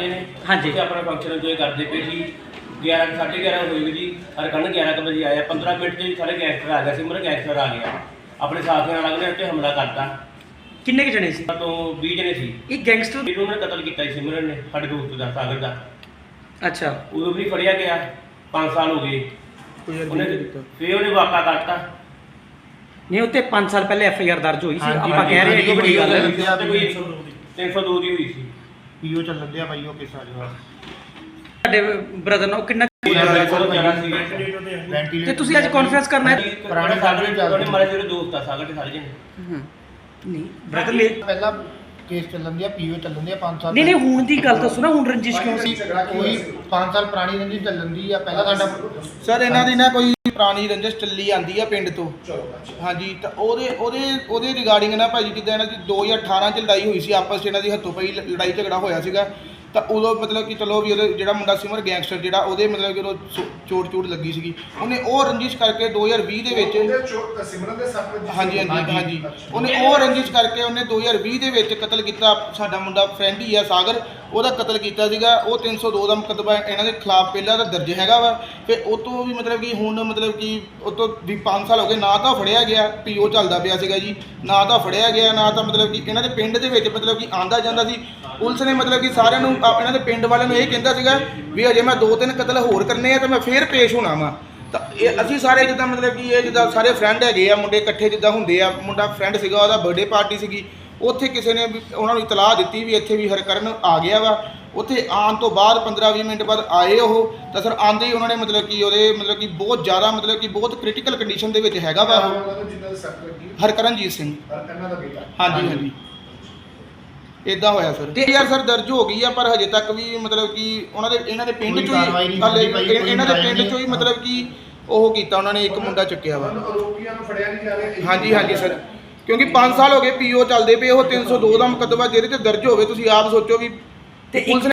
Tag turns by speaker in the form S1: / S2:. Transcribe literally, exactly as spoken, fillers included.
S1: ਨੇ
S2: ਹਾਂਜੀ
S1: ਤੇ ਆਪਣਾ ਫੰਕਸ਼ਨ ਇੰਜੋਏ ਕਰਦੇ ਪਏ ਸੀ। ਗਿਆਰਾਂ ਸਾਢੇ ਗਿਆਰਾਂ ਹੋਏ ਜੀ, ਹਰਕੰਨ ਗਿਆਰਾਂ ਕੁ ਵਜੇ ਆਇਆ। ਪੰਦਰਾਂ ਮਿੰਟ 'ਚ ਸਾਰੇ ਗੈਂਗਸਟਰ ਆ ਗਿਆ, ਸਿਮਰਨ ਗੈਂਗਸਟਰ ਆ ਗਿਆ, ਆਪਣੇ ਸਾਥੀਆਂ ਨਾਲ ਉਹਨੇ ਉੱਤੇ ਹਮਲਾ ਕਰਤਾ।
S2: ਕਿੰਨੇ ਕੁ ਜਣੇ ਸੀ?
S1: ਤੋਂ ਵੀਹ ਜਣੇ ਸੀ।
S2: ਇਹ ਗੈਂਗਸਟਰ
S1: ਇਹਨੂੰ ਉਹਨੇ ਕਤਲ ਕੀਤਾ ਸੀ ਸਿਮਰਨ ਨੇ, ਸਾਡੇ ਦੋਸਤ ਦਾ, ਸਾਗਰ ਦਾ।
S2: ਅੱਛਾ
S1: ਉਦੋਂ ਵੀ ਫੜਿਆ ਗਿਆ, ਪੰਜ ਸਾਲ ਹੋ ਗਏ। ਉਹਨੇ ਫਿਰ ਉਹਨੇ ਵਾਕਾ ਕਰਤਾ।
S2: ਨਹੀਂ ਉੱਤੇ ਪੰਜ ਸਾਲ ਪਹਿਲੇ ਐਫ ਆਈ ਆਰ ਦਰਜ ਹੋਈ ਸੀ।
S3: ਹਾਂਜੀ,
S2: ਆਪਾਂ ਕਹਿ ਰਹੇ ਹਾਂ ਕਿ ਬੜੀ ਗੱਲ ਹੈ।
S1: ਕੋਈ ਤਿੰਨ ਸੌ ਦੋ ਦੀ ਹੋਈ ਸੀ।
S3: ਪੀਓ ਚੱਲਣ ਦਿਆ ਭਾਈ ਉਹ ਕਿਸ ਆ
S2: ਤੁਹਾਡੇ ਬ੍ਰਦਰ ਨਾਲ ਉਹ ਕਿੰਨਾ ਤੇ ਤੁਸੀਂ ਅੱਜ ਕਾਨਫਰੰਸ ਕਰਨਾ ਹੈ?
S1: ਪੁਰਾਣੇ ਸਾਗਰ ਦੇ ਉਹਨੇ ਮਾਰੇ ਜਿਹੜੇ ਦੋਸਤ ਆ ਸਾਗਰ ਦੇ ਸਾਰੇ ਜਣੇ।
S2: ਹੂੰ ਨਹੀਂ ਬ੍ਰਦਰ ਨੇ
S3: ਪਹਿਲਾਂ ਕੇਸ ਚੱਲਣ ਦਿਆ ਪੀਓ ਚੱਲਣ ਦਿਆ ਪੰਜ ਸਾਲ
S2: ਨਹੀਂ ਨਹੀਂ ਹੁਣ ਦੀ ਗੱਲ ਦੱਸੋ ਨਾ, ਹੁਣ ਰੰਜਿਸ਼ ਕਿਉਂ ਸੀ?
S3: ਕੋਈ ਪੰਜ ਸਾਲ ਪੁਰਾਣੀ ਰੰਜਿਸ਼ ਚੱਲਣ ਦੀ ਆ। ਪਹਿਲਾਂ ਸਾਡਾ ਸਰ ਇਹਨਾਂ ਦੀ ਨਾ ਕੋਈ ਪੁਰਾਣੀ ਰੰਜਿਸ਼ ਚੱਲੀ ਆਂਦੀ ਆ ਪਿੰਡ ਤੋਂ। ਹਾਂਜੀ ਤਾਂ ਉਹਦੇ ਉਹਦੇ ਉਹਦੇ ਰਿਗਾਰਡਿੰਗ ਨਾ ਭਾਜੀ ਜਿੱਦਾਂ ਇਹਨਾਂ ਦੀ ਦੋ ਹਜ਼ਾਰ ਅਠਾਰਾਂ 'ਚ ਲੜਾਈ ਹੋਈ ਸੀ, ਆਪਸ 'ਚ ਇਹਨਾਂ ਦੀ ਹੱਥੋਂ ਪਈ ਲੜਾਈ ਝਗੜਾ ਹੋਇਆ ਸੀਗਾ। ਤਾਂ ਉਦੋਂ ਮਤਲਬ ਕਿ ਚਲੋ ਵੀ ਉਹਦੇ ਜਿਹੜਾ ਮੁੰਡਾ ਸਿਮਰ ਗੈਂਗਸਟਰ ਜਿਹੜਾ ਉਹਦੇ ਮਤਲਬ ਕਿ ਉਹ ਚੋਟ ਚੋਟ ਲੱਗੀ ਸੀਗੀ, ਉਹਨੇ ਉਹ ਰੰਜਿਸ਼ ਕਰਕੇ ਦੋ ਹਜ਼ਾਰ ਵੀਹ ਦੇ ਵਿੱਚ
S4: ਸਿਮਰਨ ਦੇ ਸੱਟ ਵੱਜੀ।
S3: ਹਾਂਜੀ ਹਾਂਜੀ ਹਾਂਜੀ ਉਹਨੇ ਉਹ ਰੰਜਿਸ਼ ਕਰਕੇ ਉਹਨੇ ਦੋ ਹਜ਼ਾਰ ਵੀਹ ਦੇ ਵਿੱਚ ਕਤਲ ਕੀਤਾ। ਸਾਡਾ ਮੁੰਡਾ ਫਰੈਂਡ ਹੀ ਆ ਸਾਗਰ, ਉਹਦਾ ਕਤਲ ਕੀਤਾ ਸੀਗਾ। ਉਹ ਤਿੰਨ ਸੌ ਦੋ ਦਾ ਮੁਕੱਦਮਾ ਇਹਨਾਂ ਦੇ ਖਿਲਾਫ ਪਹਿਲਾਂ ਦਾ ਦਰਜ ਹੈਗਾ ਵਾ। ਫਿਰ ਉਹ ਤੋਂ ਵੀ ਮਤਲਬ ਕਿ ਹੁਣ ਮਤਲਬ ਕਿ ਉਹ ਤੋਂ ਵੀ ਪੰਜ ਸਾਲ ਹੋ ਗਏ, ਨਾ ਤਾਂ ਫੜਿਆ ਗਿਆ, ਪੀਓ ਚੱਲਦਾ ਪਿਆ ਸੀਗਾ ਜੀ, ਨਾ ਤਾਂ ਫੜਿਆ ਗਿਆ, ਨਾ ਤਾਂ ਮਤਲਬ ਕਿ ਇਹਨਾਂ ਦੇ ਪਿੰਡ ਦੇ ਵਿੱਚ ਮਤਲਬ ਕਿ ਆਂਦਾ ਜਾਂਦਾ ਸੀ। ਪੁਲਿਸ ਨੇ ਮਤਲਬ ਕਿ ਸਾਰਿਆਂ ਨੂੰ ਇਹਨਾਂ ਦੇ ਪਿੰਡ ਵਾਲਿਆਂ ਨੂੰ ਇਹ ਕਹਿੰਦਾ ਸੀਗਾ ਵੀ ਅਜੇ ਮੈਂ ਦੋ ਤਿੰਨ ਕਤਲ ਹੋਰ ਕਰਨੇ ਆ ਤਾਂ ਮੈਂ ਫੇਰ ਪੇਸ਼ ਹੋਣਾ ਵਾ। ਤਾਂ ਇਹ ਅਸੀਂ ਸਾਰੇ ਜਿੱਦਾਂ ਮਤਲਬ ਕਿ ਇਹ ਜਿੱਦਾਂ ਸਾਰੇ ਫਰੈਂਡ ਹੈਗੇ ਆ, ਮੁੰਡੇ ਇਕੱਠੇ ਜਿੱਦਾਂ ਹੁੰਦੇ ਆ। ਮੁੰਡਾ ਫਰੈਂਡ ਸੀਗਾ, ਉਹਦਾ ਬਰਥਡੇ ਪਾਰਟੀ ਸੀਗੀ, ਉੱਥੇ ਕਿਸੇ ਨੇ ਵੀ ਉਹਨਾਂ ਨੂੰ ਇਤਲਾਹ ਦਿੱਤੀ ਵੀ ਇੱਥੇ ਵੀ ਹਰਕਰਨ ਆ ਗਿਆ ਵਾ। ਉੱਥੇ ਆਉਣ ਤੋਂ ਬਾਅਦ ਪੰਦਰਾਂ ਵੀਹ ਮਿੰਟ ਬਾਅਦ ਆਏ ਉਹ, ਤਾਂ ਸਰ ਆਉਂਦੇ ਹੀ ਉਹਨਾਂ ਨੇ ਮਤਲਬ ਕਿ ਉਹਦੇ ਮਤਲਬ ਕਿ ਬਹੁਤ ਜ਼ਿਆਦਾ ਮਤਲਬ ਕਿ ਬਹੁਤ ਕ੍ਰਿਟੀਕਲ ਕੰਡੀਸ਼ਨ ਦੇ ਵਿੱਚ ਹੈਗਾ ਵਾ ਉਹ। ਹਰਕਰਨਜੀਤ ਸਿੰਘ
S4: ਇਹਨਾਂ ਦਾ ਬੇਟਾ।
S3: ਹਾਂਜੀ ਹਾਂਜੀ ਇਦਾਂ ਹੋਇਆ ਸਰ। ਤੇ ਯਾਰ ਸਰ ਦਰਜ ਹੋ ਗਈ ਆ, ਪਰ ਹਜੇ ਤੱਕ ਵੀ ਮਤਲਬ ਕਿ ਉਹਨਾਂ ਦੇ ਇਹਨਾਂ ਦੇ ਪਿੰਡ ਚੋਂ ਹੀ ਹਾਲੇ ਇਹਨਾਂ ਦੇ ਪਿੰਡ ਚੋਂ ਹੀ ਮਤਲਬ ਕਿ ਉਹ ਕੀਤਾ ਉਹਨਾਂ ਨੇ, ਇੱਕ ਮੁੰਡਾ ਚੱਕਿਆ ਵਾ।
S4: ਆਰੋਪੀਆਂ ਨੂੰ ਫੜਿਆ ਨਹੀਂ ਜਾ ਰਿਹਾ।
S3: ਹਾਂਜੀ ਹਾਂਜੀ ਸਰ, ਕਿਉਂਕਿ ਪੰਜ ਸਾਲ ਹੋ ਗਏ ਪੀਓ ਚੱਲਦੇ ਪਏ। ਉਹ ਤਿੰਨ ਸੌ ਦੋ ਦਾ ਮੁਕੱਦਮਾ ਜਿਹਦੇ ਤੇ ਦਰਜ ਹੋਵੇ, ਤੁਸੀਂ ਆਪ ਸੋਚੋ ਵੀ
S2: ਤੇ
S3: ਪੁਲਿਸ